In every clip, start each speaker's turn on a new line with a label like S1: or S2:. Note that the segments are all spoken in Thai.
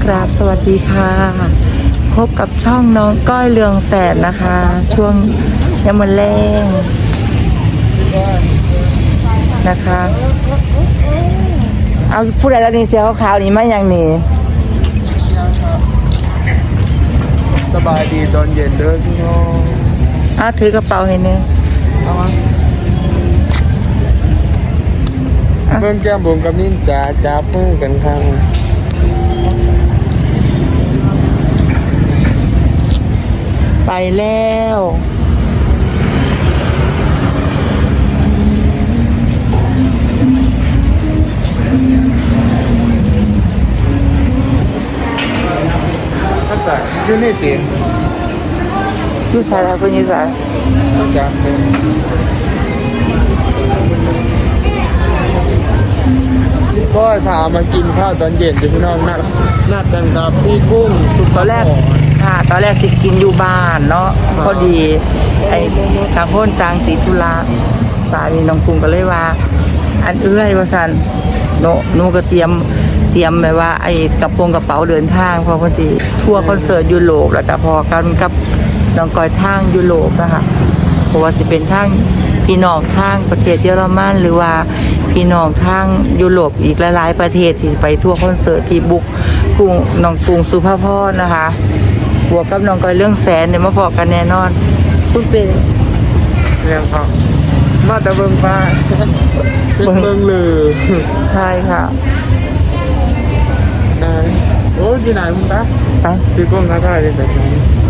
S1: ครับสวัสดีค่ะพบกับช่องน้องก้อยเรืองแสนนะคะ ช่วงยามมื้อแลงนะคะเอาผู้ใดแล้วนี่เสียขาวๆนี่มาอย่างนี้
S2: สบายดีตอนเย็นเด้อพี่น้อง
S1: เอาถือกระเป๋าให้เนี่ย
S2: เอามาเพิ่มแก้มบุ๋มกับนิ่นจ๋าจับมือกันครั้ง
S1: ไปแล้ว
S2: ทักษะยูนิตี
S1: อยู่สายแล้วคุณยิ่งสาย
S2: จับมือก็ถามมากินข้าวตอนเย็นจ้ะพี่น้องนัดกันครับพี่กุ้งสุด
S1: ตอนแรกค่ะตอนแรกสิกินอยู่บ้านเนาะพอดีไอ้ต่างคนต่างติดธุระสามีน้องกุ้งก็เลยว่า อันเอื้อยว่าสันหนูก็เตรียมแบบว่าไอ้กระเป๋าเดินทางเพอพอดีทัวร์คอนเสิร์ตยุโรปแล้วก็พอกันกับน้องก้อยทางยุโรปนะคะเพราะว่าสิเป็นทางพี่น้องทางประเทศเยอรมันหรือว่าพี่น้องทางยุโรปอีกหลายๆประเทศที่ไปทัวร์คอนเสิร์ตที่บุกกรุงน้องกรุงสุภาพรนะคะบวกกับน้องก้อยเรื่องแสนเนี่ยมาพอกันแน่นอนพูดเป็น
S2: เรื่องเขามาแต่เบิ่งป้าเป็นเบิ่งเลย
S1: ใช่ค่ะ
S2: นายโอ้ยที่ไหนมึงตา
S1: ไป
S2: พี่กุ้งท้าทายเลยแต่ไหน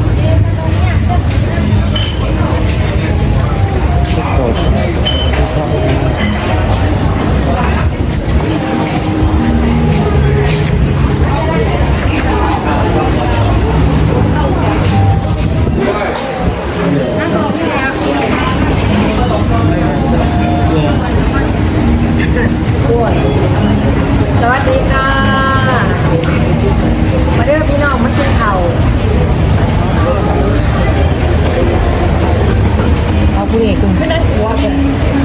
S3: สวัสดีค่ะ มาเด้อพี่น้องมากินข้าว
S1: เอาผู้เอกคุณ
S3: ไม่นั่งหัวกัน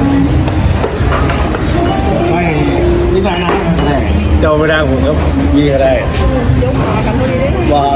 S2: ไม่นี่ไปนะเจ้าไม่ได้ผมก็ยี่ก็ได้
S3: เดี๋ยวขอกันตรงนี้ได้
S2: ว้าว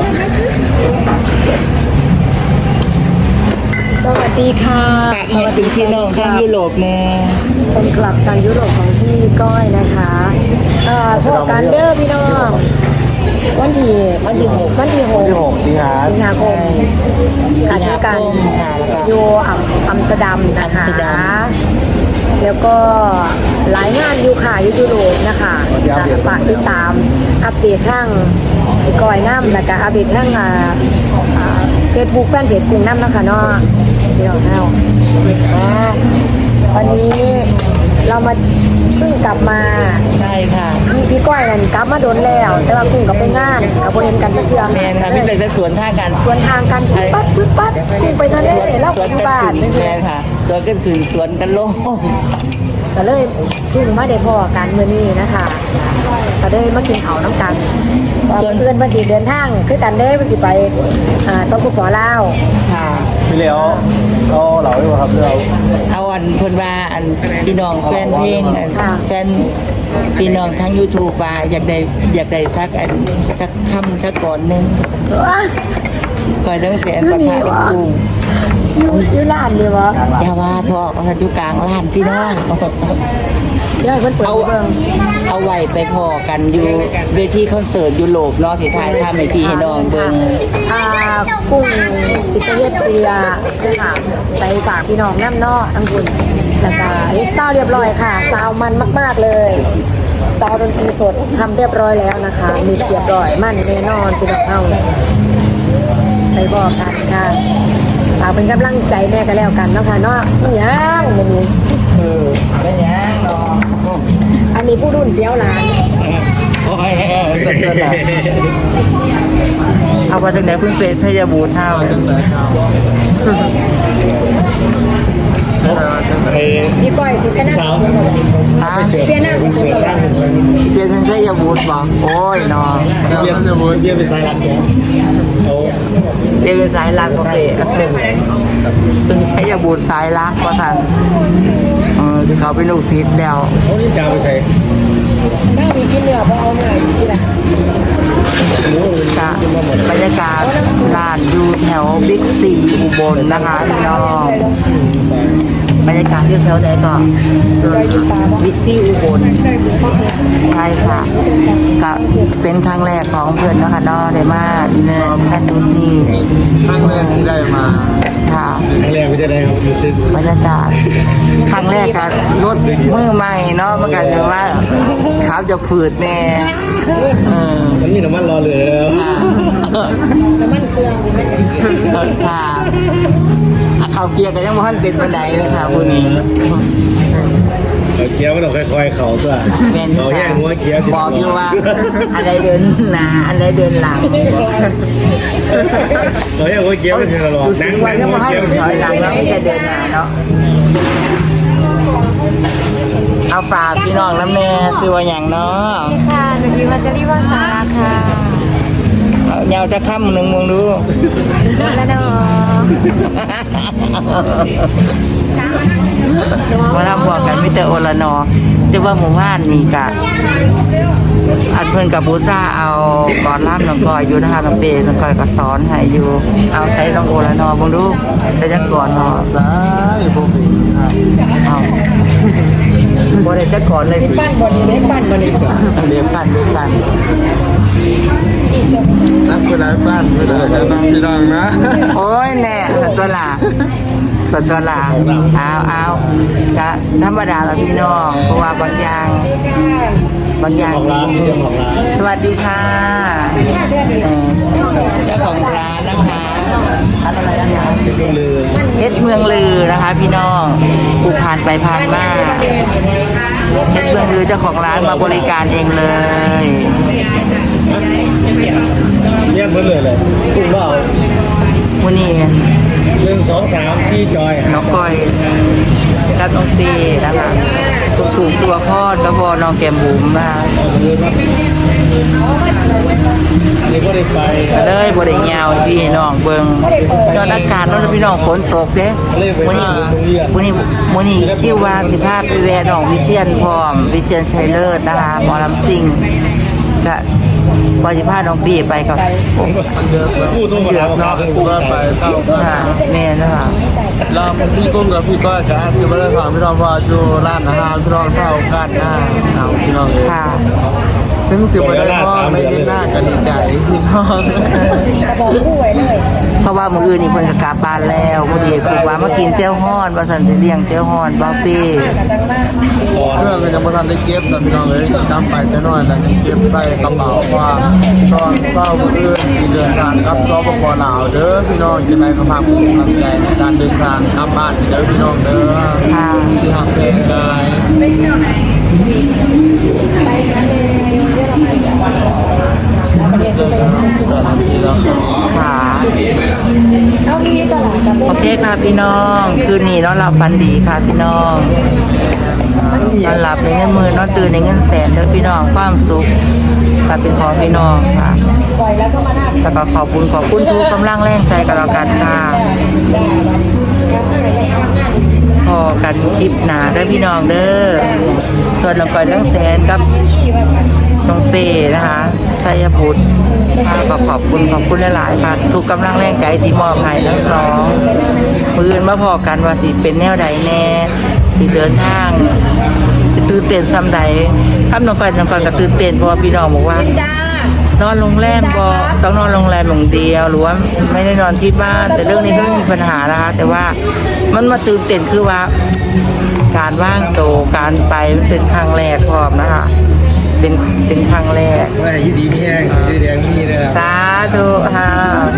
S3: สวัสดีค่ะ
S1: สวัสดีพี่น้องทางยุโรปแน่
S3: เป็นกลับชาวยุโรปของพี่ก้อยนะคะพวกกันเด้อพี่น้องวันที่หก
S2: สิงหา
S3: สิงหาคมการเจอกันอยู่อัมสเตอร์ดัมนะคะ แล้วก็หลายงานอยู่ค่ะยุโรปนะคะฝากติดตามอัปเดตทั้งไอ้ก้อยน้ำแล้วก็อัปเดตทั้งเฟซบุ๊กแฟนเพจกรุงน้ำนะคะเนาะเดี๋ยวเนาะวันนี้เรามาเพิ่งกลับมา
S1: ใช่ค่ะ
S3: พี่ก้อยนั่นกลับมาโดนแล้ว แต่ว่ากุ้งกับไปงานกับโบเห็นกันจะเชื่อ
S1: แมนค่ะพี่เป็นสวนท่ากัน
S3: สวนทางกันปึ๊บปั๊ดกุ้งไปทะเลแล้ว
S1: สวน
S3: อยู่
S1: กัน
S3: บ้าน
S1: ขึ้นแมนค่ะสวนกันขึ้นสวนกันโล่ง
S3: ก็เลยเพิ่งมาได้พอกันเมื่อนี้นะคะก็ได้มากินข้าวน้ำกันเพื่อนวันที่เดินทางคือกันได้วันที่ไปต้องกุขอเล่า
S1: ค่ะ
S2: พี่เหลียวเอาเหล่าดีกว่าครับเรา
S1: เอาอันเพิ่นว่าอันพี่น้องแฟนเพลงอันแฟนพี่น้องทั้ง YouTube ว่าอยากได้สักอันสักคำสักก่อนหนึงก่อยเรื่องแสนประทะกุ้ง
S3: อยู่ร้านดีวะ
S1: อย่าว่าทอกเอาอยู่กลางร้านพี่น้อง
S3: เดี๋ยวให้เพิ่นเปิด
S1: เอา
S3: เบิ่ง
S1: เอาไว้ไปพอกันอยู่เวทีคอนเสิร์ตยุโรปเนาะที่ถ่ายทำให้พี่ให้น้องเบิ่ง
S3: กุ้งสิเตเวียดเซียค่ะไปฝากพี่น้องน้ำเนอกทั้งคุณแล้วก็เศร้าเรียบร้อยค่ะซาวมันมากๆเลยซาวดนตรีสดทำเรียบร้อยแล้วนะคะ มีเรียบร้อยมันแน่นอนพี่น้องเอาไปบอกกันค่ะฝากเป็นกำลังใจแม่กันแล้วกันเนาะค่ะเนาะยังมันนี้
S1: เป็นยังเนาะ
S3: อันนี้ผู้รุ่นเสียวหลาน
S1: โอ้ยสุดยอดเลยเอาไปจากไหนเพิ่งเป็นพยาบูรณ์เท่า
S3: พี่ก้อยสิกันนะเปลี่ยนหน้าสิเปลี่ยนหน้า
S1: เปลี่ยนเป็นพยาบูรณ์บอกโอ้ยเนาะ
S2: เยี่ยมจะบูนเยี่ยมไปสายหลักแกโอ้
S1: เปลี่ยนเป็นสายลักโอเคเป็นพยาบูรณ์สายลักว่าทันเขาเป็นลูกศิษย์แล้ว
S2: โอ้นี่จ้าไปใส่
S3: หน้ามีกินเนื้อเพราะเอาเนื้ออยู่ที่ไหน
S2: หมู
S1: บรรยากาศร้านอยู่แถวบิ๊กซีอุบลนะคะพี่น้องบรรยากาศอยู่แถวไหนก่อนบิ๊กซีอุบลใช่ค่ะก็เป็นครั้งแรกของเพื่อนเนาะค่ะเนาะได้มาเนี่ยแค่ดูนี่
S2: ครั้งแรกที่ได้มา
S1: ค่ะ
S2: ครั้งแรกก็จะได้ครับรู้สึก
S1: บรรยากาศครั้งแรกกับรถมือใหม่เนาะมันก็จะว่าขับจะฝืดแน่
S2: มันมีน้ำมันรอเลยแล้ว
S3: น้ำมันเครื่อง
S1: ค่ะเขาเกียร์กันยังไม่ทันเป็นปันไดเลยค่ะพวกนี้
S2: เกียร์มันต้องค่อยๆเขาตัว
S1: แม่น
S2: เราแย่งหัวเกียร์
S1: บอกอยู่ว่าอะไรเดินหน้าอะไรเดินหลัง
S2: เราแย่งหัวเกียร์มันคือตลอด
S1: ดูสิว่ายังไม่ให้ถอยหลังแล้วไม่จะเดินหน้าเนาะเอาฝากพี่น้องน้ำแน่คือว่าอย่างเนาะ
S3: ค่ะหนูวัชรีวงศ์สาราค่ะ
S1: เงาจะค่ำหนึ่งมึงดู
S3: แล้วเนาะ
S1: มาทำพวกกันมิเตอร์โอลานอที่ว่าหมู่บ้านมีกะอันเพื่อนกับบูซ่าเอาก่อนล่ามน้องกอยอยู่นะคะน้องเปย์น้องกอยก็สอนให้อยู่เอาใช้น้องโอลานอมึงดูใช้จักก่อนเนาะ
S2: ซ้ายโบบิครับ
S1: เอาบ่ได้จักก่อนเลย
S3: ปั้นบอดี้ได้ปั้นบอดี้
S1: เรียนกันเรียนกัน
S2: นักเวลาบ้านเวลาพี่น้องนะ
S1: โอ้ยแน่สัตว์ตัวหลาสัตว์ตัวหลาเอาจะธรรมดาละพี่น้องเพราะว่าบางอย่างสวัสดีค่ะเจ้าของร้านนะคะอะไรนะคะเพชรเมืองลือนะคะพี่น้องผู้ผ่านไปผ่านมาเพชรเมืองลือเจ้าของร้านมาบริการเองเลย
S2: เรียกมันเลยกุ้งเปล่า
S1: วันนี้
S2: 1 2 3 4จอย
S1: น้องก้อยกับน้องตีนะคะถูกตัวพ่อแล้วพอน้องแก้มบุ๋มมา
S2: อันนี้ก็ได้ไป
S1: เลยบริยาวพี่น้องเบิ่งยอดอากาศเนาะพี่น้องฝนตกเด้วันนี้คิวว่าสิพาไปแวะน้องวิเชียนพร้อมวิเชียนชัยเลิศนะคะหมอลำซิ่งก็พอสิพาน้องปีไปกับ
S2: ผู้ทุ่งเดือดเนาะผู้ก็ไปเท่ากัน
S1: แม่นะคะ
S2: เราพี่กุ้งกับพี่ก้อยจะคือไม่ได้ฟังพี่น้องพอจูร้านอาหารพี่น้องเท่ากันหน้าเอาพี่น้องเลย
S1: ค่ะ
S2: ซึ่งสิบไม่ได้พ่อไม่ได้หน้ากันดีใจพี่น้อง
S3: บอกผู้ไว้เลย
S1: เพราะว่ามื้ออื่นนี่เพิ่นก็กลับบ้านแล้วมื้อนี้คือว่ามากินเจ้าฮ้อนว่าซั่นสิเลี้ยงเจ้าฮ้อนบ่ปี
S2: เครื่องก็ยังไม่ทันได้เก็บแต่พี่น้องเลยจำไปจะน้อยแต่ยังเก็บใส่กระเป๋าว่าตอนเศร้ามื้ออื่นที่เดินทางกับซอปปลาวเด้อพี่น้องจะได้กำลังภูมิใจในการเดินทางกลับบ้านเด้อพี่น้องเด้อ
S1: ค่ะ
S2: ที่หักแพงได้
S1: ค่ะ
S3: เอามีตลาดกับ
S1: โอเคค่ะพี่น้องคืนนี้นอนหลับฝันดีค่ะพี่น้องนอนหลับในเงินหมื่นนอนตื่นในเงินแสนเด้อพี่น้องความสุขก็เป็นของพี่น้องค่ะ
S3: ปล่อยแล้วก็มาหน้า
S1: แล้วก็ขอบคุณทุกกำลังแรงใจกันแล้วกันค่ะพอกันคลิปหนาเด้อพี่น้องเด้อส่วนน้องก้อยทั้งแสนกับน้องเป้นะคะชัยพุทธก็ขอบคุณหลายๆค่ะทุกกำลังแรงใจที่มอบให้ทั้งสองมืออื่นมาพอกันว่าสิเป็นแนวใดแน่สิเดินทางสิตื่นเต้นซ้ำใดครับน้องก้อยก็ตื่นเต้นเพราะว่าพี่น้องบอกว่า
S3: จ้าน
S1: อนโรงแรมก็ต้องนอนโรงแรมอย่างเดียวหรือว่าไม่ได้นอนที่บ้าน แต่เรื่องนี้ก็ไม่มีปัญหานะคะแต่ว่ามันมาตื่นเต้นคือว่า การว่างโตการไปมันเป็นครั้งแรกพร้อมนะคะเป็นครั้งแรก
S2: ว่ายี่ดีมีแห้งสีแดงมีเลย
S1: สาธุค่ะ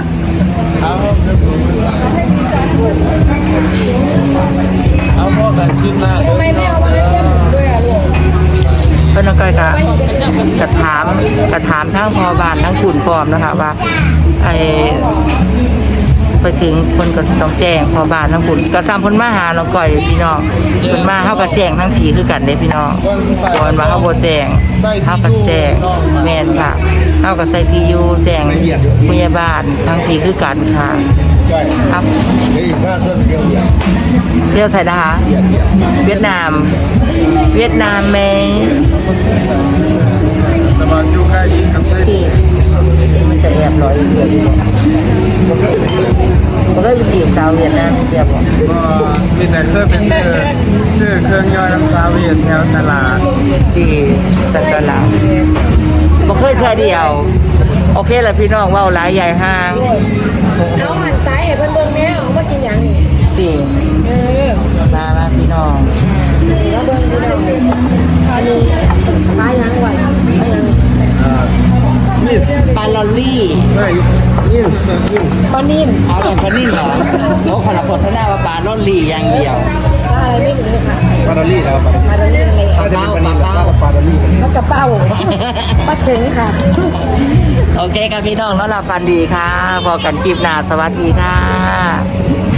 S2: เอาพ่อกันขึ้นหน้าเด้อ
S3: ไม่เอามาให้ด้วยอ่ะลูก
S1: เพื่อนก้อยกระถามทั้งพอบานทั้งขุนพร้อมนะคะว่าไอไปถึงคนก็ต้องแจ้งพอบานทั้งขุนก็ซ้ำคนมาหาน้องก้อยพี่น้องคนมาเขาก็แจ้งทั้งผีคือกันเด้พี่น้องก่อนว่าเขาโบแจ้งเขาก็แจ้งแมนค่ะเขาก็ใส่ทียูแจ้งพยาบาลทั้งผีคือกันค่ะครับ
S2: นี่ข้าส้นเดียว
S1: เที่ยวไทยนะคะเวียดนามไหม
S2: แต่ว่าอยู่ใกล้ยิงกับเส้น
S1: ที่มันจะแอบร้อยาวเวียดนามเดียวบ่
S2: ก็มีแต่เคยเป็นชื่อเครื่องย่อยน้ำซาเวียแถวตลาด
S1: ที่ตักลาวบ่เคยเทื่อเดียว โอเคแล้วพี่น้องเว้าหลายใหญ่ห้าง
S3: เอาหันซ้ายให้เพิ่นเบิ่งแน่เอามากินหยังนี่
S1: ติ มาพี่น้อง
S3: แล้วเบิ่งดูแล้วอันนี้ปลาหยังไว้ปลาหยัง
S2: มิส
S1: ปลาลอลลี่
S2: เฮ้ยยิ่งยิ่ง
S3: ปลานิ่ม
S1: เอาแบบปลานิ่มเหรอโอ้คนละโฆษณาว่าปลาลอลลี่อย่างเดียว
S3: ปลาอะไรไม่รู้ค่ะ
S2: ปาดาลี่แล้ว
S3: ปลาดอลลี่เลย
S2: ถ้าจะเป็นปานีแล้วก็ปาดาลี่
S3: ปลากระเป้าปลาเข็งค่ะ
S1: โอเคครับพี่น้องนอนหลับฝันดีค่ะ พอกันคลิปหน้าสวัสดีค่ะ